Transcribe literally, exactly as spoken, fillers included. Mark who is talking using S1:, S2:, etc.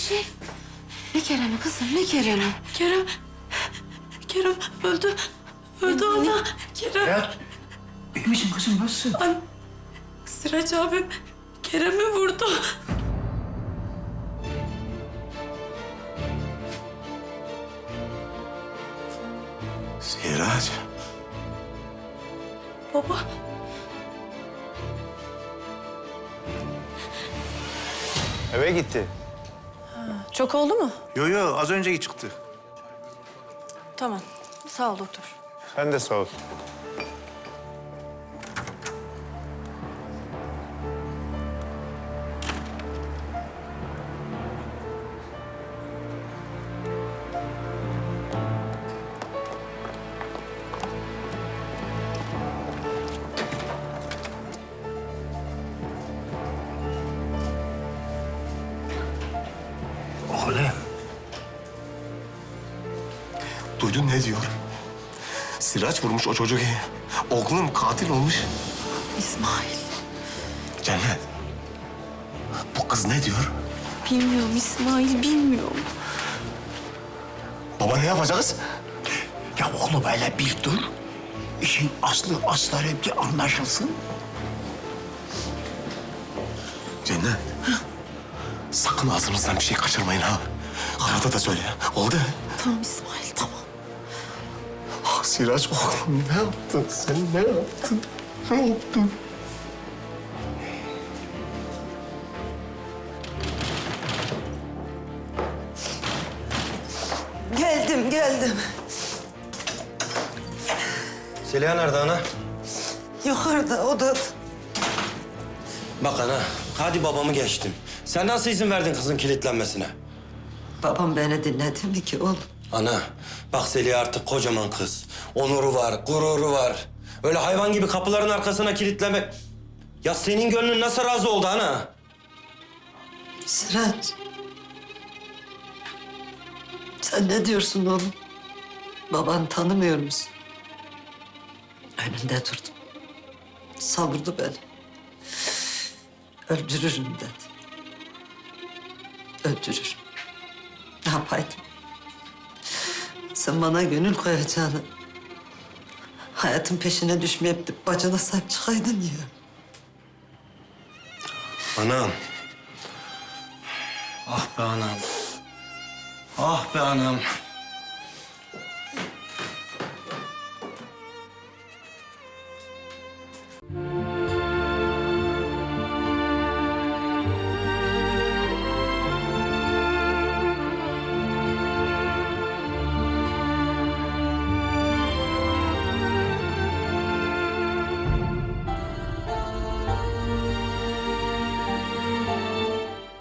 S1: şey? Ne Kerem'i kızım, ne Kerem'i?
S2: Kerem, Kerem öldü. Öldü ana. Kerem.
S3: Hayat, iyi misin kızım? Nasılsın?
S2: An Sıraç abim Kerem'i vurdu.
S4: Sirac.
S2: Baba.
S4: Eve gitti.
S1: Çok oldu mu?
S4: Yo yo az önce çıktı.
S1: Tamam. Sağ ol doktor.
S4: Sen de sağ ol.
S3: Oğlum.
S4: Duydun ne diyor? Sirac vurmuş o çocuğu. Oğlum katil olmuş.
S1: İsmail.
S4: Cennet. Bu kız ne diyor?
S1: Bilmiyorum İsmail, bilmiyorum.
S4: Baba ne yapacağız?
S3: Ya oğlum hele bir dur. İşin aslı asları bir anlaşılsın.
S4: Cennet. Sakın ağzınızdan bir şey kaçırmayın ha. Hayata da söyle. Oldu.
S1: Tamam İsmail, tamam.
S4: Ah Sirac oğlum ne yaptın? Sen ne yaptın? Ne yaptın?
S5: Geldim, geldim.
S6: Zeliha nerede ana?
S5: Yukarıda, odada.
S6: Bak ana, hadi babamı geçtim. Sen nasıl izin verdin kızın kilitlenmesine?
S5: Babam beni dinledi mi ki oğlum?
S6: Ana, bak Zeliha artık kocaman kız. Onuru var, gururu var. Öyle hayvan gibi kapıların arkasına kilitlemek... Ya senin gönlün nasıl razı oldu ana?
S5: Sıraç. Sen ne diyorsun oğlum? Babanı tanımıyor musun? Önünde durdum. Savurdu beni. Öldürürüm dedi. Öldürürüm. Ne yapaydım? Sen bana gönül koyacağını... hayatın peşine düşmeyip de bacana sahip çıkaydın ya.
S6: Anam. Ah be anam. Ah be anam.